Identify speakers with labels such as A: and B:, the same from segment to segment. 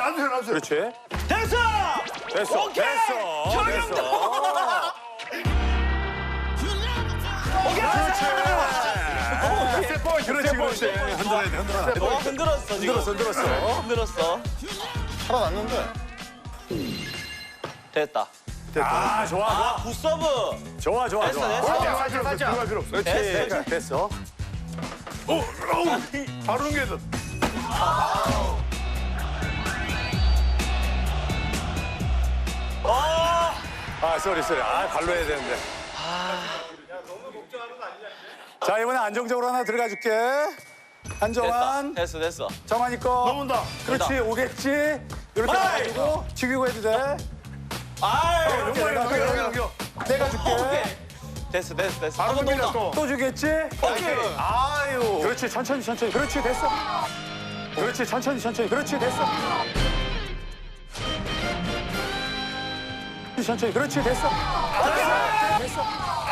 A: 놔주세요, 놔주세요.
B: 그렇지.
C: 됐어!
B: 됐어.
C: 오케이!
B: 됐어.
C: 정영도!
B: 됐어.
C: 오케이!
B: 그렇지, 그렇지. 흔들어야 돼, 흔들어.
C: 흔들었어, 지금.
B: 흔들었어.
C: 흔들었어.
A: 살아났는데.
C: 됐다.
B: 아, 좋아,
C: 아, 굿서브!
B: 좋아. 좋아,
C: 됐어,
B: 좋아.
C: 됐어.
A: 들어갈 필요 없어.
B: 그렇지.
C: 됐어.
B: 됐어.
A: 바로 넘겨야
B: 아, 쏘리. 아, 발로 해야 되는데. 자, 이번에 안정적으로 하나 들어가 줄게. 한정환.
C: 됐어.
B: 정환이 거.
A: 넘은다.
B: 그렇지,
C: 됐다.
B: 오겠지. 이렇게
C: 아이.
B: 해가지고 죽이고 해도 돼.
C: 아이!
B: 이렇게
A: 넘겨.
B: 내가 줄게.
C: 오케이. 됐어.
A: 바로
C: 한번
A: 넘기자,
C: 더.
A: 또.
B: 또 주겠지?
C: 오케이.
B: 아유. 그렇지, 천천히. 그렇지, 됐어. 그렇지, 천천히. 그렇지, 됐어. 천천히. 그렇지, 됐어. 됐어.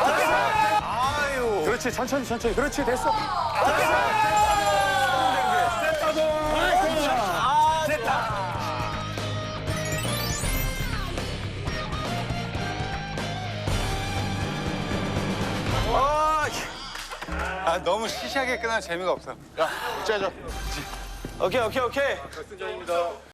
B: 아유. 그렇지, 천천히. 그렇지, 됐어.
C: 아, 됐다.
D: 아, 너무 시시하게 끝나면 재미가 없어.
A: 야, 짜자.
C: 오케이.